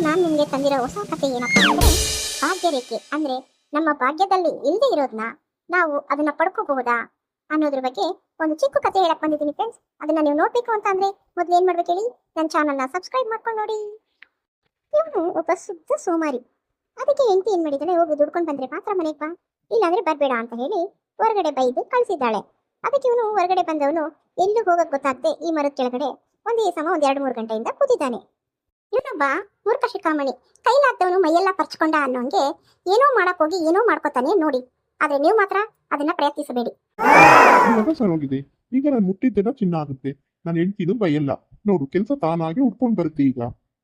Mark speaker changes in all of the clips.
Speaker 1: ನಾನು ನಿಮಗೆ ತಂದಿರೋ ಹೊಸ ಕಥೆ ಏನಪ್ಪಾ ಅಂದ್ರೆ ಭಾಗ್ಯರೇಖೆ. ಅಂದ್ರೆ ನಮ್ಮ ಭಾಗ್ಯದಲ್ಲಿ ಇಲ್ಲದೆ ಇರೋದನ್ನ ನಾವು ಅದನ್ನ ಪಡ್ಕೋಬಹುದಾ ಅನ್ನೋದ್ರ ಬಗ್ಗೆ ಒಂದು ಚಿಕ್ಕ ಕಥೆ ಹೇಳಕ್ ಬಂದಿದ್ದೀನಿ ಫ್ರೆಂಡ್ಸ್. ಅದನ್ನ ನೀವು ನೋಡ್ಬೇಕು ಅಂತ ಅಂದ್ರೆ ಮೊದ್ಲು ಏನ್ ಮಾಡ್ಬೇಕು ಹೇಳಿ, ನನ್ನ ಚಾನಲ್ನ ಸಬ್ಸ್ಕ್ರೈಬ್ ಮಾಡ್ಕೊಂಡು ನೋಡಿ. ಇವನು ಒಬ್ಬ ಶುದ್ಧ ಸೋಮಾರಿ. ಅದಕ್ಕೆ ಹೆಂಡತಿ ಏನ್ ಮಾಡಿದಾಳೆ, ಹೋಗಿ ದುಡ್ಕೊಂಡು ಬಂದ್ರೆ ಮಾತ್ರ ಮನೆಗೆ ಬಾ, ಇಲ್ಲಾಂದ್ರೆ ಬರ್ಬೇಡ ಅಂತ ಹೇಳಿ ಹೊರಗಡೆ ಬೈದು ಕಳಿಸಿದ್ದಾಳೆ. ಅದಕ್ಕೆ ಇವನು ಹೊರಗಡೆ ಬಂದವನು ಎಲ್ಲೂ ಹೋಗಕ್ ಗೊತ್ತಾಗದೆ ಈ ಮರದ ಕೆಳಗಡೆ ಒಂದೇ ಸಮ ಒಂದ್ 2-3 ಗಂಟೆಯಿಂದ ಕೂತಿದ್ದಾನೆ. ಇವನೊಬ್ಬ ಮೂರ್ಖ ಶಿಖಾಮಣಿ. ಕೈಲಾದವನು ಮೈಯೆಲ್ಲ ಪರ್ಚ್ಕೊಂಡ ಅನ್ನೋಂಗೆ ಏನೋ ಮಾಡಕ್ ಹೋಗಿ ಏನೋ ಮಾಡ್ಕೋತಾನೆ ನೋಡಿ. ಆದ್ರೆ ನೀವು ಮಾತ್ರ ಅದನ್ನ ಪ್ರಯತ್ನಿಸಬೇಡಿ.
Speaker 2: ಸರೋಗಿದೆ. ಈಗ ನಾನು ಮುಟ್ಟಿದ್ದೆಲ್ಲ ಚಿನ್ನ ಆಗುತ್ತೆ. ನಾನು ಹೆಂಡ್ತಿದು ಬೈಯಲ್ಲ. ನೋಡು, ಕೆಲಸ ತಾನಾಗೆ ಉಟ್ಕೊಂಡು ಬರುತ್ತೆ ಈಗ.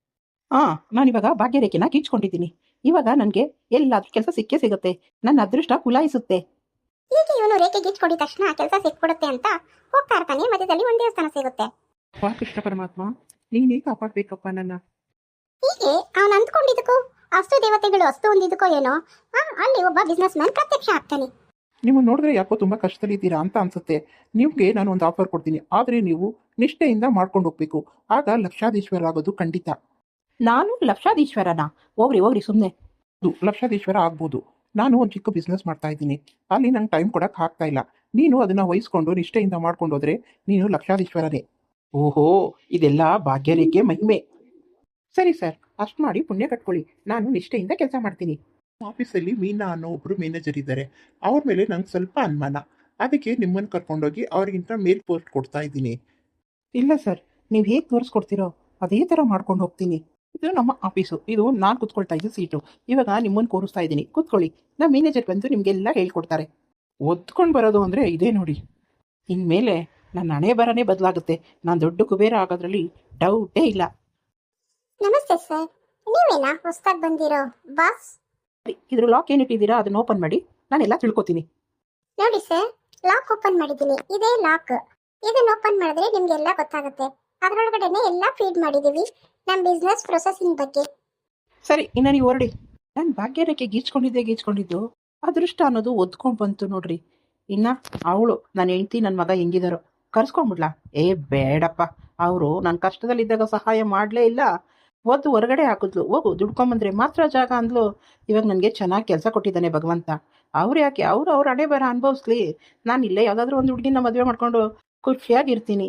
Speaker 3: ನಾನಿವಾಗ ಭಾಗ್ಯರೇಖೆನ ಗೀಚ್ಕೊಂಡಿದ್ದೀನಿ. ಇವಾಗ ನನಗೆ ಎಲ್ಲಾದ್ರೂ ಕೆಲಸ ಸಿಕ್ಕೇ ಸಿಗುತ್ತೆ. ನನ್ನ ಅದೃಷ್ಟ ಕುಲಾಯಿಸುತ್ತೆ.
Speaker 1: ಈಗ ಇವನು ರೇಖೆ ಗೀಚ್ಕೊಂಡಿದ ತಕ್ಷಣ ಕೆಲಸ ಸಿಕ್ಬಿಡುತ್ತೆ ಅಂತ ಹೋಗ್ತಾ ಇರ್ತಾನೆ. ಮಧ್ಯದಲ್ಲಿ ಒಂದ್ ದೇವಸ್ಥಾನ ಸಿಗುತ್ತೆ.
Speaker 3: ಕೃಷ್ಣ ಪರಮಾತ್ಮ, ನೀನೇ ಕಾಪಾಡ್ಬೇಕಪ್ಪ ನನ್ನ.
Speaker 1: ಹೀಗೆ ಅವನು ಅಂದ್ಕೊಂಡಿದ್ದಕ್ಕೂ ಅಷ್ಟು ದೇವತೆಗಳು ಅಷ್ಟು ಹೊಂದಿದ್ದಕ್ಕೋ ಏನೋ ಅಲ್ಲಿ ಒಬ್ಬ ಬಿಸ್ನೆಸ್ ಮ್ಯಾನ್ ಪ್ರತ್ಯಕ್ಷ ಆಗ್ತಾನೆ.
Speaker 3: ನೀವು ನೋಡಿದ್ರೆ ಯಾಕೋ ತುಂಬಾ ಕಷ್ಟದಲ್ಲಿದ್ದೀರಾ ಅಂತ ಅನ್ಸುತ್ತೆ. ನಿಮ್ಗೆ ನಾನು ಒಂದು ಆಫರ್ ಕೊಡ್ತೀನಿ, ಆದ್ರೆ ನೀವು ನಿಷ್ಠೆಯಿಂದ ಮಾಡ್ಕೊಂಡು ಹೋಗ್ಬೇಕು. ಆಗ ಲಕ್ಷಾಧೀಶ್ವರ ಆಗೋದು ಖಂಡಿತ. ನಾನು ಲಕ್ಷಾಧೀಶ್ವರನ? ಹೋಗ್ರಿ ಸುಮ್ಮನೆ. ಲಕ್ಷಾಧೀಶ್ವರ ಆಗ್ಬೋದು. ನಾನು ಒಂದು ಚಿಕ್ಕ ಬಿಸ್ನೆಸ್ ಮಾಡ್ತಾ ಇದ್ದೀನಿ. ಅಲ್ಲಿ ನಂಗೆ ಟೈಮ್ ಕೊಡಕ್ಕೆ ಆಗ್ತಾ ಇಲ್ಲ. ನೀನು ಅದನ್ನ ವಹಿಸ್ಕೊಂಡು ನಿಷ್ಠೆಯಿಂದ ಮಾಡ್ಕೊಂಡು ಹೋದ್ರೆ ನೀನು ಲಕ್ಷಾಧೀಶ್ವರನೇ. ಓಹೋ, ಇದೆಲ್ಲ ಭಾಗ್ಯರೇಖೆ ಮಹಿಮೆ. ಸರಿ ಸರ್, ಅಷ್ಟು ಮಾಡಿ ಪುಣ್ಯ ಕಟ್ಕೊಳ್ಳಿ. ನಾನು ನಿಷ್ಠೆಯಿಂದ ಕೆಲಸ ಮಾಡ್ತೀನಿ.
Speaker 2: ಆಫೀಸಲ್ಲಿ ಮೀನಾ ಅನ್ನೋ ಒಬ್ರು ಮ್ಯಾನೇಜರ್ ಇದ್ದಾರೆ. ಅವ್ರ ಮೇಲೆ ನಂಗೆ ಸ್ವಲ್ಪ ಅನುಮಾನ. ಅದಕ್ಕೆ ನಿಮ್ಮನ್ನು ಕರ್ಕೊಂಡೋಗಿ ಅವ್ರಿಗಿಂತ ಮೇಲ್ ಪೋಸ್ಟ್ ಕೊಡ್ತಾ ಇದ್ದೀನಿ.
Speaker 3: ಇಲ್ಲ ಸರ್, ನೀವು ಹೇಗೆ ತೋರಿಸ್ಕೊಡ್ತೀರೋ ಅದೇ ಥರ ಮಾಡ್ಕೊಂಡು ಹೋಗ್ತೀನಿ. ಇದು ನಮ್ಮ ಆಫೀಸು. ಇದು ನಾನು ಕೂತ್ಕೊಳ್ತಾ ಇದ್ದು ಸೀಟು. ಇವಾಗ ನಿಮ್ಮನ್ನು ಕೂರಿಸ್ತಾ ಇದ್ದೀನಿ, ಕೂತ್ಕೊಳ್ಳಿ. ನಮ್ಮ ಮ್ಯಾನೇಜರ್ ಬಂದು ನಿಮಗೆಲ್ಲ ಹೇಳ್ಕೊಡ್ತಾರೆ. ಒದ್ಕೊಂಡು ಬರೋದು ಅಂದರೆ ಇದೇ ನೋಡಿ. ಇನ್ಮೇಲೆ ನನ್ನ ಹಣೆ ಬರನೇ ಬದಲಾಗುತ್ತೆ. ನಾನು ದೊಡ್ಡ ಕುಬೇರ ಆಗೋದ್ರಲ್ಲಿ ಡೌಟೇ ಇಲ್ಲ.
Speaker 1: ನಮಸ್ತೆ ಸರ್, ನೀವೇನಾ ಹೊಸದಾಗಿ ಬಂದಿರೋ ಬಾಸ್?
Speaker 3: ಇದ್ರ ಲಾಕ್ ಏನಿಟ್ಟಿದ್ದೀರಾ ಅದನ್ನ ಓಪನ್ ಮಾಡಿ, ನಾನೆಲ್ಲ ತಿಳ್ಕೊತೀನಿ.
Speaker 1: ನೋಡಿ ಸರ್, ಲಾಕ್ ಓಪನ್ ಮಾಡಿದ್ದೀನಿ. ಇದೇ ಲಾಕ್. ಇದನ್ನ ಓಪನ್ ಮಾಡಿದ್ರೆ ನಿಮ್ಗೆಲ್ಲ ಗೊತ್ತಾಗುತ್ತೆ. ಅದರೊಳಗಡೆನೆ ಎಲ್ಲ ಫೀಡ್ ಮಾಡಿದೀವಿ ನಮ್ಮ ಬಿಸ್ನೆಸ್ ಪ್ರೊಸೆಸಿಂಗ್ ಬಗ್ಗೆ.
Speaker 3: ಸರಿ, ಇನ್ನು ನೀವು ಹೊರಡಿ. ನಾನು ಭಾಗ್ಯರೇಖೆ ಗೀಚ್ಕೊಂಡಿದ್ದು ಅದೃಷ್ಟ ಅನ್ನೋದು ಒದ್ಕೊಂಡು ಬಂತು ನೋಡ್ರಿ. ಇನ್ನ ಅವಳು ನನ್ನ ಹೆಂಡ್ತಿ ನನ್ನ ಮಗ ಹೆಂಗಿದಾರೋ ಕರ್ಸ್ಕೊಂಡ್ಬಿಡ್ಲಾ? ಬೇಡಪ್ಪ. ಅವರು ನನ್ನ ಕಷ್ಟದಲ್ಲಿದ್ದಾಗ ಸಹಾಯ ಮಾಡಲೇ ಇಲ್ಲ. ಒದ್ದು ಹೊರಗಡೆ ಹಾಕಿದ್ಲು. ಹೋಗು ದುಡ್ಕೊಂಬಂದ್ರೆ ಮಾತ್ರ ಜಾಗ ಅಂದ್ಲು. ಇವಾಗ ನನಗೆ ಚೆನ್ನಾಗಿ ಕೆಲಸ ಕೊಟ್ಟಿದ್ದಾನೆ ಭಗವಂತ. ಅವ್ರು ಯಾಕೆ ಅವ್ರ ಹಣೆ ಬರ ಅನುಭವಿಸ್ಲಿ. ನಾನು ಇಲ್ಲೇ ಯಾವುದಾದ್ರೂ ಒಂದು ಹುಡುಗಿನ ಮದುವೆ ಮಾಡ್ಕೊಂಡು ಖುಷಿಯಾಗಿರ್ತೀನಿ.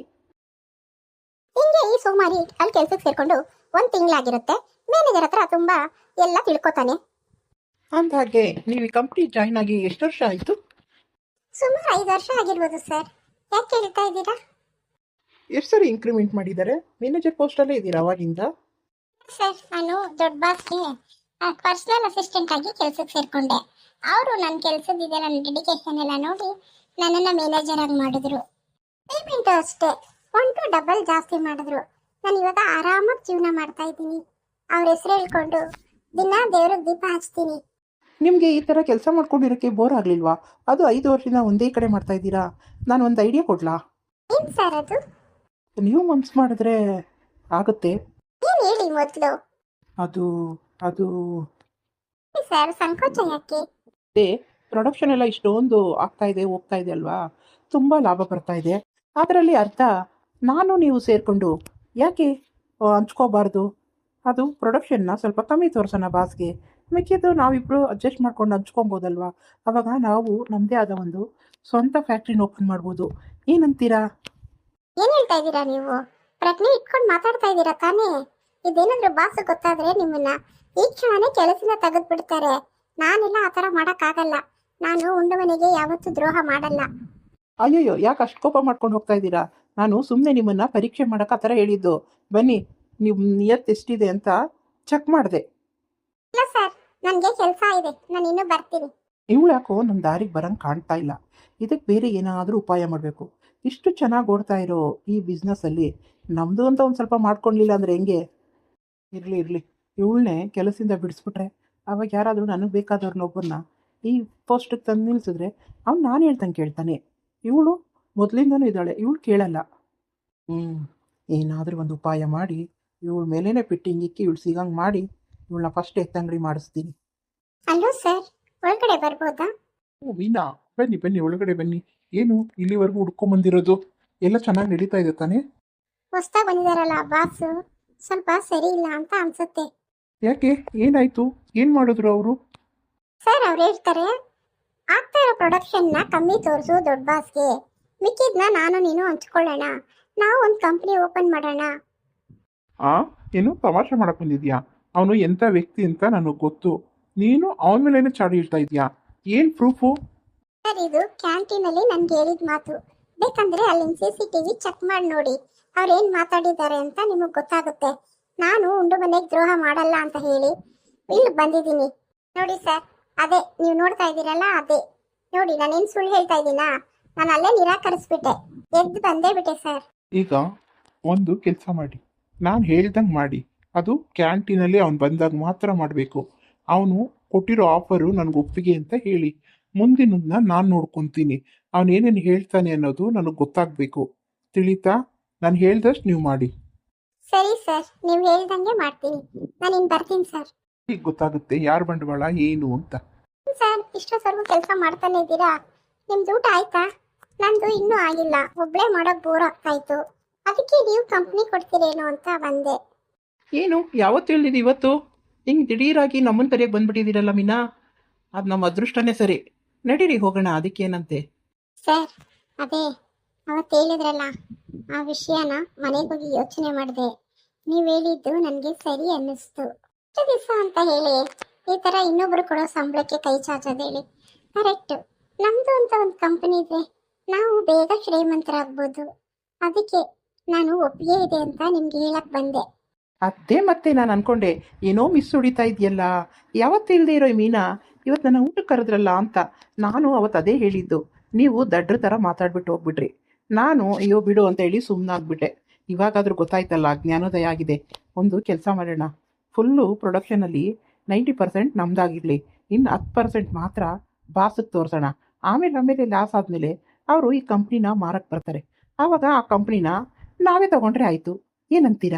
Speaker 1: ಹಿಂಗೆ ಈ ಸೋಮಾರಿ ಅಲ್ಲಿ ಕೆಲ್ಸಕ್ಕೆ ಸೇರ್ಕೊಂಡು 1 ತಿಂಗಳಾಗಿರುತ್ತೆ. ಮ್ಯಾನೇಜರ್ ಹತ್ರ ತುಂಬಾ ಎಲ್ಲ ತಿಳ್ಕೊತಾನೆ.
Speaker 3: ಅಂದಾಗೆ ನೀವು ಈ ಕಂಪ್ನಿ ಜಾಯ್ನ್ ಆಗಿ ಎಷ್ಟು ವರ್ಷ ಆಯಿತು?
Speaker 1: ಸುಮಾರು 5 ವರ್ಷ ಆಗಿರ್ಬೋದು ಸರ್. ಯಾಕೆ ಕೇಳ್ತಾ ಇದ್ದೀರಾ?
Speaker 3: ಎಷ್ಟು ಸರಿ ಇಂಕ್ರಿಮೆಂಟ್ ಮಾಡಿದ್ದಾರೆ? ಮ್ಯಾನೇಜರ್ ಪೋಸ್ಟಲ್ಲೇ ಇದ್ದೀರಾ ಅವಾಗಿಂದ?
Speaker 1: ಸರ್, ನಾನು ದೊಡ್ಡ ಬಾಸ್ಗೆ ಪರ್ಸನಲ್ ಅಸಿಸ್ಟೆಂಟ್ ಆಗಿ ಕೆಲಸಕ್ಕೆ ಸೇರ್ಕೊಂಡೆ. ಅವರು ನನ್ನ ಕೆಲಸದಿದೆ, ನನ್ನ ಡೆಡಿಕೇಶನ್ ಎಲ್ಲ ನೋಡಿ ನನ್ನನ್ನು ಮ್ಯಾನೇಜರ್ ಆಗಿ ಮಾಡಿದ್ರು. ಪೇಮೆಂಟ್ ಅಷ್ಟೇ 1 ಡಬಲ್ ಜಾಸ್ತಿ ಮಾಡಿದ್ರು. ನಾನು ಇವಾಗ ಆರಾಮಾಗಿ ಜೀವನ ಮಾಡ್ತಾ ಇದ್ದೀನಿ. ಅವ್ರ ಹೆಸರು ಹೇಳ್ಕೊಂಡು ದಿನ ದೇವ್ರಿಗೆ ದೀಪ ಹಚ್ತೀನಿ.
Speaker 3: ನಿಮಗೆ ಈ ಥರ ಕೆಲಸ ಮಾಡ್ಕೊಂಡಿರೋಕ್ಕೆ ಬೋರ್ ಆಗಲಿಲ್ವಾ? ಅದು 5 ವರ್ಷದಿಂದ ಒಂದೇ ಕಡೆ ಮಾಡ್ತಾ ಇದ್ದೀರಾ. ನಾನು ಒಂದು ಐಡಿಯಾ ಕೊಡ್ಲಾ?
Speaker 1: ಏನ್ ಸರ್ ಅದು?
Speaker 3: ನೀವು ಮನ್ಸು ಮಾಡಿದ್ರೆ ಆಗುತ್ತೆ.
Speaker 1: ಏನ್ ಹೇಳಿ ಮೊದಲು.
Speaker 3: ಅದು ಅದು
Speaker 1: ಸರ್, ಸಂಕೋಚ ಯಾಕೆ?
Speaker 3: ಪ್ರೊಡಕ್ಷನ್ ಎಲ್ಲ ಇಷ್ಟೊಂದು ಆಗ್ತಾ ಇದೆ, ಹೋಗ್ತಾ ಇದೆ ಅಲ್ವಾ, ತುಂಬ ಲಾಭ ಬರ್ತಾ ಇದೆ. ಅದರಲ್ಲಿ ಅರ್ಥ ನಾನು ನೀವು ಸೇರಿಕೊಂಡು ಯಾಕೆ ಹಂಚ್ಕೋಬಾರ್ದು? ಅದು ಪ್ರೊಡಕ್ಷನ್ನ ಸ್ವಲ್ಪ ಕಮ್ಮಿ ತೋರಿಸೋಣ ಬಾಸ್ಗೆ. ಮಿಕ್ಕಿದ್ದು ನಾವಿಬ್ಬರು ಅಡ್ಜಸ್ಟ್ ಮಾಡ್ಕೊಂಡು ಹಂಚ್ಕೊಬೋದಲ್ವಾ? ಅವಾಗ ನಾವು ನಮ್ಮದೇ ಆದ ಒಂದು ಸ್ವಂತ ಫ್ಯಾಕ್ಟ್ರಿನ ಓಪನ್ ಮಾಡ್ಬೋದು. ಏನಂತೀರಾ?
Speaker 1: ಏನ್ ಹೇಳ್ತಾ ಇದ್ದೀರಾ ನೀವು? ಪ್ರಜ್ಞೆ ಇಟ್ಕೊಂಡು ಮಾತಾಡ್ತಾ ಇದ್ದೀರಾ ತಾನೇ? ಇದೇನಾದ್ರೂ ಬಾಸ್ ಗೊತ್ತಾದ್ರೆ ನಿಮ್ಮನ್ನ ಈ ಕ್ಷಣನೇ ಕೆಲಸದಿಂದ ತೆಗೆದು ಬಿಡ್ತಾರೆ. ನಾನೆಲ್ಲ ಆ ಥರ ಮಾಡೋಕ್ಕಾಗಲ್ಲ. ನಾನು ಉಂಡವನಿಗೆ ಯಾವತ್ತೂ ದ್ರೋಹ ಮಾಡಲ್ಲ.
Speaker 3: ಅಯ್ಯಯ್ಯೋ, ಯಾಕೆ ಅಷ್ಟು ಕೋಪ ಮಾಡ್ಕೊಂಡು ಹೋಗ್ತಾ ಇದ್ದೀರಾ? ನಾನು ಸುಮ್ಮನೆ ನಿಮ್ಮನ್ನು ಪರೀಕ್ಷೆ ಮಾಡೋಕೆ ಆ ಥರ ಹೇಳಿದ್ದು. ಬನ್ನಿ, ನೀವು ನಿಯತ್ ಎಷ್ಟಿದೆ ಅಂತ ಚೆಕ್ ಮಾಡಿದೆ.
Speaker 1: ಇಲ್ಲ ಸರ್, ನನಗೆ ಕೆಲಸ ಇದೆ, ನಾನು ಇನ್ನೂ ಬರ್ತೀನಿ.
Speaker 3: ಇವಳು ಯಾಕೋ ನಮ್ಮ ದಾರಿಗೆ ಬರಂಗೆ ಕಾಣ್ತಾ ಇಲ್ಲ. ಇದಕ್ಕೆ ಬೇರೆ ಏನಾದರೂ ಉಪಾಯ ಮಾಡಬೇಕು. ಇಷ್ಟು ಚೆನ್ನಾಗಿ ಓಡ್ತಾ ಇರೋ ಈ ಬಿಸ್ನೆಸ್ಸಲ್ಲಿ ನಮ್ಮದು ಅಂತ ಒಂದು ಸ್ವಲ್ಪ ಮಾಡ್ಕೊಳ್ಲಿಲ್ಲ ಅಂದರೆ ಹೆಂಗೆ? ಇರಲಿ, ಇವಳನ್ನೇ ಕೆಲಸದಿಂದ ಬಿಡಿಸ್ಬಿಟ್ರೆ ಅವಾಗ ಯಾರಾದರೂ ನನಗೆ ಬೇಕಾದವ್ರನ್ನೊಬ್ಬರನ್ನ ಈ ಪೋಸ್ಟಿಗೆ ತಂದು ನಿಲ್ಲಿಸಿದ್ರೆ ಅವ್ನು ನಾನು ಹೇಳ್ದಂಗೆ ಕೇಳ್ತಾನೆ. ಇವಳು ಮೊದಲಿಂದನೂ ಇದ್ದಾಳೆ, ಇವಳು ಕೇಳಲ್ಲ. ಏನಾದರೂ ಒಂದು ಉಪಾಯ ಮಾಡಿ ಇವಳ ಮೇಲೇ ಫಿಟ್ಟಿಂಗ್ ಇಕ್ಕಿ ಇವಳು ಸಿಗಂಗೆ ಮಾಡಿ ಇವಳನ್ನ ಫಸ್ಟ್ ಎತ್ತಂಗಡಿ ಮಾಡಿಸ್ತೀನಿ.
Speaker 1: ಅಲ್ಲೋ ಸರ್, ಒಳಗಡೆ ಬರ್ಬೋದಾ?
Speaker 2: ಓ ಮೀನಾ, ಬನ್ನಿ ಒಳಗಡೆ ಬನ್ನಿ. ಏನು ಇಲ್ಲಿವರೆಗೂ ಹುಡ್ಕೊಂಬಂದಿರೋದು? ಎಲ್ಲ ಚೆನ್ನಾಗಿ ನಡೀತಾ ಇದೆ ತಾನೇ?
Speaker 1: ಹೊಸ್ದಾಗಿ ಬಂದಿದಾರಲ್ಲ ಬಾಸು, ಸ್ವಲ್ಪ ಸರಿ ಇಲ್ಲ ಅಂತ ಅನ್ಸುತ್ತೆ.
Speaker 2: ಯಾಕೆ ಏನಾಯ್ತು? ಏನು ಮಾಡಿದ್ರು ಅವರು?
Speaker 1: ಸರ್ ಅವ್ರು ಹೇಳ್ತಾರೆ ಆಗ್ತಾ ಇರೋ ಪ್ರೊಡಕ್ಷನ್ನ ಕಮ್ಮಿ ತೋರಿಸು ದೊಡ್ಡ ಬಾಸ್ಗೆ, ಮಿಕ್ಕಿದ್ನ ನಾನು ನೀನು ಹಂಚ್ಕೊಳ್ಳೋಣ, ನಾವು ಒಂದು ಕಂಪ್ನಿ ಓಪನ್ ಮಾಡೋಣ.
Speaker 2: ಏನು ತಮಾಷೆ ಮಾಡಕ್ ಬಂದಿದ್ಯಾ? ಅವನು ಎಂಥ ವ್ಯಕ್ತಿ ಅಂತ ನನಗೆ ಗೊತ್ತು. ನೀನು ಅವನ ಮೇಲೇನೆ ಚಾಡಿ ಇಡ್ತಾ ಇದೀಯಾ? ಏನು ಪ್ರೂಫು?
Speaker 1: ಸರ್ ಇದು ಕ್ಯಾಂಟೀನಲ್ಲಿ ನನ್ಗೆ ಹೇಳಿದ ಮಾತು. ಬೇಕಂದ್ರೆ ಅಲ್ಲಿನ CCTV ಚೆಕ್ ಮಾಡಿ ನೋಡಿ, ಅವ್ರು ಏನ್ ಮಾತಾಡಿದ್ದಾರೆ ಅಂತ ನಿಮಗೆ ಗೊತ್ತಾಗುತ್ತೆ. ನಾನು ಉಂಡು ಮನೆಗೆ ದ್ರೋಹ ಮಾಡಲ್ಲ ಅಂತ ಹೇಳಿ ಇಲ್ಲಿ ಬಂದಿದ್ದೀನಿ. ನೋಡಿ ಸರ್, ಅದೇ ನೀವು ನೋಡ್ತಾ ಇದ್ದೀರಲ್ಲ, ಅದೇ ನೋಡಿ. ನಾನೇನು ಸುಳ್ಳು ಹೇಳ್ತಾ ಇದ್ದೀನಾ? ನಾನು ಅಲ್ಲೇ ನಿರಾಕರಿಸ್ಬಿಟ್ಟೆ, ಎದ್ದು ಬಂದೇ ಬಿಟ್ಟೆ ಸರ್.
Speaker 2: ಈಗ ಒಂದು ಕೆಲಸ ಮಾಡಿ, ನಾನು ಹೇಳ್ದಂಗೆ ಮಾಡಿ. ಅದು ಕ್ಯಾಂಟೀನಲ್ಲಿ ಅವ್ನು ಬಂದಾಗ ಮಾತ್ರ ಮಾಡಬೇಕು. ಅವನು ಕೊಟ್ಟಿರೋ ಆಫರು ನನಗೆ ಒಪ್ಪಿಗೆ ಅಂತ ಹೇಳಿ, ಮುಂದಿನದನ್ನ ನಾನು ನೋಡ್ಕೊತೀನಿ. ಅವನೇನೇನು ಹೇಳ್ತಾನೆ ಅನ್ನೋದು ನನಗೆ ಗೊತ್ತಾಗಬೇಕು. ತಿಳಿತಾ? ನಾನು ಹೇಳ್ದಷ್ಟು ನೀವು ಮಾಡಿ.
Speaker 1: ಸರಿ ಸರ್, ನೀವು ಹೇಳ್ದಂಗೆ ಮಾಡ್ತೀನಿ. ನಾನು ಇನ್ನು ಬರ್ತೀನಿ ಸರ್.
Speaker 2: ಈಗ ಗೊತ್ತಾಗುತ್ತೆ ಯಾರ ಬಂಡವಾಳ ಏನು ಅಂತ.
Speaker 1: ಸರ್ ಇಷ್ಟೊತ್ತವರೆಗೂ ಕೆಲಸ ಮಾಡ್ತಾನೆ ಇದ್ದೀರಾ? ನಿಮ್ದು ಊಟ ಆಯ್ತಾ? ನಂದು ಇನ್ನೂ ಆಗಿಲ್ಲ, ಒಬ್ಳೇ ಮಾಡೋಕೆ ಬೋರ್ ಆಗ್ತಾ ಇತ್ತು. ಅದಕ್ಕೆ ನೀವು ಕಂಪ್ನಿ ಕೊಡ್ತೀರೇನೋ ಅಂತ ಬಂದೆ.
Speaker 3: ಏನು ಯಾವತ್ತು ಹೇಳಿದ್ದು ಇವತ್ತು ಹಿಂಗೆ ದಿಢೀರಾಗಿ ನಮ್ಮನ್ನ ಕರೆಯಕ್ಕೆ ಬಂದ್ಬಿಟ್ಟಿದ್ದೀರಲ್ಲ ಮೀನಾ? ಅದು ನಮ್ಮ ಅದೃಷ್ಟನೇ ಸರಿ. ನಡೀರಿ ಹೋಗೋಣ, ಅದಕ್ಕೇನಂತೆ.
Speaker 1: ಸರ್ ಅದೇ ಅವತ್ತು ಹೇಳಿದ್ರಲ್ಲ, ಆ ವಿಷಯನ ಮನೆಗೆ ಹೋಗಿ ಯೋಚನೆ ಮಾಡಿದೆ. ನೀವು ಹೇಳಿದ್ದು ನನಗೆ ಸರಿ ಅನ್ನಿಸ್ತು. ಎಷ್ಟು ದಿವಸ ಅಂತ ಹೇಳಿ ಈ ಥರ ಇನ್ನೊಬ್ರು ಕೊಡೋ ಸಂಬಳಕ್ಕೆ ಕೈ ಚಾಚೋದು ಹೇಳಿ? ಕರೆಕ್ಟು. ನಮ್ಮದು ಅಂತ ಒಂದು ಕಂಪನಿ ಇದೆ, ನಾವು ಬೇಗ ಶ್ರೀಮಂತರಾಗ್ಬೋದು. ಅದಕ್ಕೆ ನಾನು ಒಪ್ಪಿಗೆ ಇದೆ ಅಂತ ನಿಮ್ಗೆ ಹೇಳಕ್ ಬಂದೆ.
Speaker 3: ಅದೇ ಮತ್ತೆ ನಾನು ಅನ್ಕೊಂಡೆ ಏನೋ ಮಿಸ್ ಹೊಡಿತಾ ಇದೆಯಲ್ಲ, ಯಾವತ್ತು ಇಲ್ಲದೆ ಇರೋ ಈ ಮೀನಾ ಇವತ್ತು ನನ್ನ ಊಟಕ್ಕೆ ಕರೆದ್ರಲ್ಲ ಅಂತ. ನಾನು ಅವತ್ತು ಅದೇ ಹೇಳಿದ್ದು, ನೀವು ದಡ್ರ ಥರ ಮಾತಾಡ್ಬಿಟ್ಟು ಹೋಗ್ಬಿಟ್ರಿ. ನಾನು ಅಯ್ಯೋ ಬಿಡು ಅಂತ ಹೇಳಿ ಸುಮ್ಮನಾಗ್ಬಿಟ್ಟೆ. ಇವಾಗಾದರೂ ಗೊತ್ತಾಯ್ತಲ್ಲ, ಜ್ಞಾನೋದಯ ಆಗಿದೆ. ಒಂದು ಕೆಲಸ ಮಾಡೋಣ, ಫುಲ್ಲು ಪ್ರೊಡಕ್ಷನಲ್ಲಿ 90% ನಮ್ದಾಗಿರಲಿ, ಇನ್ನು 10% ಮಾತ್ರ ಬಾಸಿಗೆ ತೋರಿಸೋಣ. ಆಮೇಲೆ ಲಾಸ್ ಆದಮೇಲೆ ಅವರು ಈ ಕಂಪ್ನಿನ ಮಾರಕ್ಕೆ ಬರ್ತಾರೆ. ಆವಾಗ ಆ ಕಂಪ್ನಿನ ನಾವೇ ತಗೊಂಡ್ರೆ ಆಯಿತು. ಏನಂತೀರಾ?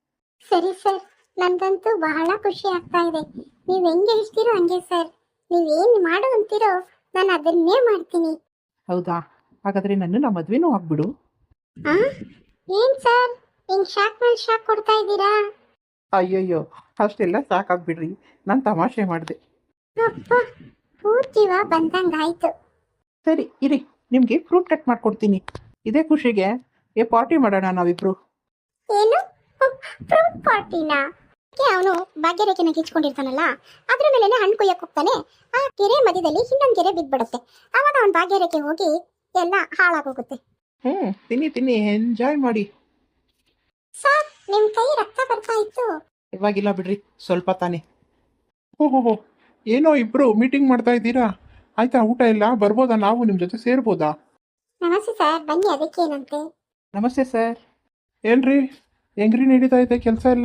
Speaker 1: ಸರಿ ಸರ್, ನನಗಂತೂ ಬಹಳ ಖುಷಿ ಆಗ್ತಾ ಇದೆ. ನೀವು ಹೆಂಗೆ ಹೇಳ್ತೀರೋ ಹಂಗೆ ಸರ್. ನೀವೇನು ಮಾಡು ಅಂತೀರೋ ನಾನು ಅದನ್ನೇ ಮಾಡ್ತೀನಿ.
Speaker 3: ಹೌದಾ? ಹಾಗಾದರೆ ನನ್ನನ್ನು ಮದುವೆನೂ ಆಗ್ಬಿಡು.
Speaker 1: ಆ ಏನ್ ಸರ್ ಹಿಂಗ್ ಶಾಕ್ ಮೇಲೆ ಶಾಕ್ ಕೊಡ್ತಾ ಇದ್ದೀರಾ?
Speaker 3: ಅಯ್ಯಯ್ಯೋ, ಅಷ್ಟೆಲ್ಲ ಸಾಕಾಗ್ಬಿಡ್ರಿ, ನಾನು ತಮಾಷೆ ಮಾಡಿದೆ.
Speaker 1: ಅಪ್ಪ, ಪೂರ್ತಿವ ಬಂದಂಗಾಯ್ತು.
Speaker 3: ಸರಿ ಇರಿ, ನಿಮಗೆ ಫ್ರೂಟ್ ಕಟ್ ಮಾಡ್ಕೊಡ್ತೀನಿ. ಇದೇ ಖುಷಿಗೆ ಪಾರ್ಟಿ ಮಾಡೋಣ ನಾವಿಬ್ರು.
Speaker 1: ಏನು ಫ್ರೂಟ್ ಪಾರ್ಟಿನಾ? ಅವನು ಭಾಗ್ಯರೇಖೆನ ಕಿಚ್ಕೊಂಡಿರ್ತಾನಲ್ಲ, ಅದ್ರ ಮೇಲೆ ಹಣ್ಣು ಕೊಯ್ಯಕ್ಕೆ ಹೋಗ್ತಾನೆ. ಆ ಕೆರೆ ಮಧ್ಯದಲ್ಲಿ ಇನ್ನೊಂದು ಕೆರೆ ಬಿದ್ಬಿಡುತ್ತೆ. ಅವಾಗ ಅವನ ಭಾಗ್ಯರೇಖೆ ಹೋಗಿ ಎಲ್ಲ ಹಾಳಾಗೋಗುತ್ತೆ.
Speaker 3: ತಿನ್ನಿ ಎಂಜಾಯ್ ಮಾಡಿ.
Speaker 1: ಸರ್ ನಿಮ್ ಕೈ ರಕ್ತ ಬರ್ತಾ ಇತ್ತು.
Speaker 3: ಇವಾಗಿಲ್ಲ ಬಿಡ್ರಿ, ಸ್ವಲ್ಪ ತಾನೇ.
Speaker 2: ಓಹೋ, ಏನೋ ಇಬ್ರು ಮೀಟಿಂಗ್ ಮಾಡ್ತಾ ಇದ್ದೀರಾ? ಆಯ್ತಾ ಊಟ ಇಲ್ಲ? ಬರ್ಬೋದಾ? ನಾವು ನಿಮ್ಮ ಜೊತೆ ಸೇರ್ಬೋದಾ?
Speaker 1: ನಮಸ್ತೆ ಸರ್, ಬನ್ನಿ. ಅದಕ್ಕೇನಂತೆ?
Speaker 3: ನಮಸ್ತೆ ಸರ್.
Speaker 2: ಏನ್ರಿ ಹೆಂಗ್ರಿ ನಡೀತಾ ಇದೆ ಕೆಲಸ ಎಲ್ಲ?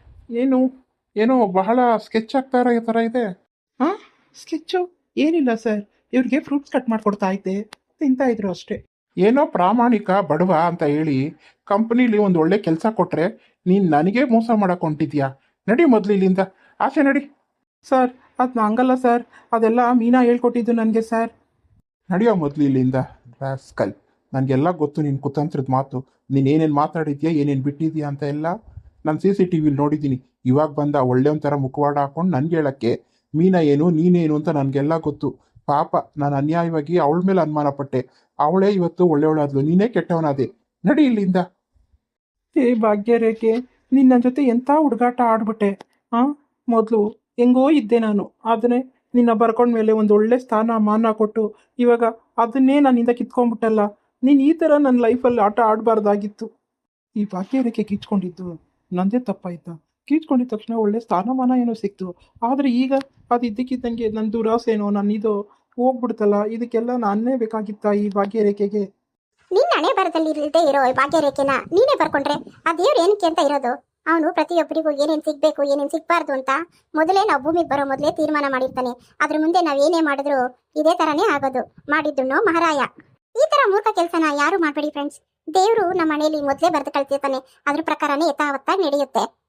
Speaker 2: ಏನೋ ಬಹಳ ಸ್ಕೆಚ್ ಆಗ್ತಾ ಇರೋ ಥರ ಇದೆ.
Speaker 3: ಹಾಂ, ಸ್ಕೆಚ್ಚು ಏನಿಲ್ಲ ಸರ್, ಇವ್ರಿಗೆ ಫ್ರೂಟ್ಸ್ ಕಟ್ ಮಾಡಿಕೊಡ್ತಾ ಇದ್ದೆ, ತಿಂತಾ ಇದ್ರು ಅಷ್ಟೇ.
Speaker 2: ಏನೋ ಪ್ರಾಮಾಣಿಕ ಬಡವ ಅಂತ ಹೇಳಿ ಕಂಪ್ನಿಲಿ ಒಂದು ಒಳ್ಳೆ ಕೆಲಸ ಕೊಟ್ರೆ ನೀನು ನನಗೆ ಮೋಸ ಮಾಡಕ್ ಹೊಂಟಿದ್ಯಾ? ನಡಿ ಮೊದಲು ಇಲ್ಲಿಂದ, ಆಚೆ ನಡಿ.
Speaker 3: ಸರ್ ಅದು ಹಂಗಲ್ಲ ಸರ್, ಅದೆಲ್ಲ ಮೀನಾ ಹೇಳ್ಕೊಟ್ಟಿದ್ದು ನನಗೆ ಸರ್.
Speaker 2: ನಡಿಯೋ ಮೊದಲು ಇಲ್ಲಿಂದ ರಾಸ್ಕಲ್. ನನಗೆಲ್ಲ ಗೊತ್ತು ನಿನ್ನ ಕುತಂತ್ರದ ಮಾತು. ನೀನು ಏನೇನು ಮಾತಾಡಿದ್ಯಾ, ಏನೇನು ಬಿಟ್ಟಿದ್ಯಾ ಅಂತ ಎಲ್ಲ ನಾನು CCTVಲಿ ನೋಡಿದ್ದೀನಿ. ಇವಾಗ ಬಂದ ಒಳ್ಳೆ ಒಂಥರ ಮುಖವಾಡ ಹಾಕೊಂಡು ನನಗೆ ಹೇಳಕ್ಕೆ ಮೀನಾ ಏನು ನೀನೇನು ಅಂತ ನನಗೆಲ್ಲ ಗೊತ್ತು. ಪಾಪ, ನಾನು ಅನ್ಯಾಯವಾಗಿ ಅವಳ ಮೇಲೆ ಅನುಮಾನ ಪಟ್ಟೆ. ಅವಳೇ ಇವತ್ತು ಒಳ್ಳೆಯವಳಾದ್ಲು, ನೀನೇ ಕೆಟ್ಟವನಾದೆ. ನಡಿ ಇಲ್ಲಿಂದ.
Speaker 3: ಏ ಭಾಗ್ಯರೇಖೆ, ನಿನ್ನ ಜೊತೆ ಎಂಥ ಹುಡುಗಾಟ ಆಡ್ಬಿಟ್ಟೆ. ಹಾಂ, ಮೊದಲು ಹೆಂಗೋ ಇದ್ದೆ ನಾನು, ಆದರೆ ನಿನ್ನ ಬರ್ಕೊಂಡ್ಮೇಲೆ ಒಂದು ಒಳ್ಳೆ ಸ್ಥಾನ ಮಾನ ಕೊಟ್ಟು ಇವಾಗ ಅದನ್ನೇ ನನ್ನಿಂದ ಕಿತ್ಕೊಂಡ್ಬಿಟ್ಟಲ್ಲ. ನೀನು ಈ ಥರ ನನ್ನ ಲೈಫಲ್ಲಿ ಆಟ ಆಡಬಾರ್ದಾಗಿತ್ತು. ಈ ಭಾಗ್ಯರೇಖೆ ಕಿಚ್ಕೊಂಡಿದ್ದು ನಂದೇ ತಪ್ಪಾಯ್ತಾ? ಕಿಚ್ಕೊಂಡಿದ ತಕ್ಷಣ ಒಳ್ಳೆ ಸ್ಥಾನಮಾನ ಏನೋ ಸಿಕ್ತು, ಆದರೆ ಈಗ ಅದು ಇದ್ದಕ್ಕಿದ್ದಂಗೆ ನನ್ನ ದುರಾಸೆನೋ ನನ್ನಿದು ಹೋಗ್ಬಿಡ್ತಲ್ಲ. ಇದಕ್ಕೆಲ್ಲ ನಾನೇ ಬೇಕಾಗಿತ್ತಾ ಈ ಭಾಗ್ಯರೇಖೆಗೆ?
Speaker 1: ನಿನ್ನ ಹಣೆ ಬರದಲ್ಲಿ ಇಲ್ಲದೆ ಇರೋ ಭಾಗ್ಯರೇಖೆನ ನೀನೇ ಬರ್ಕೊಂಡ್ರೆ ಆ ದೇವ್ರು ಏನಕ್ಕೆ ಅಂತ ಇರೋದು? ಅವನು ಪ್ರತಿಯೊಬ್ಬರಿಗೂ ಏನೇನು ಸಿಗ್ಬೇಕು ಏನೇನು ಸಿಗ್ಬಾರ್ದು ಅಂತ ಮೊದಲೇ ನಾವು ಭೂಮಿಗೆ ಬರೋ ಮೊದಲೇ ತೀರ್ಮಾನ ಮಾಡಿರ್ತಾನೆ. ಅದ್ರ ಮುಂದೆ ನಾವು ಏನೇ ಮಾಡಿದ್ರು ಇದೇ ಥರನೇ ಆಗೋದು. ಮಾಡಿದ್ದುಣ್ಣೋ ಮಹಾರಾಯ. ಈ ಥರ ಮೂರ್ಖ ಕೆಲಸನ ಯಾರು ಮಾಡಬೇಡಿ ಫ್ರೆಂಡ್ಸ್. ದೇವರು ನಮ್ಮ ಮನೆಯಲ್ಲಿ ಮೊದಲೇ ಬರೆದು ಕಳ್ತಿರ್ತಾನೆ, ಅದ್ರ ಪ್ರಕಾರನೇ ಯಥಾವತ್ತಾಗಿ ನಡೆಯುತ್ತೆ.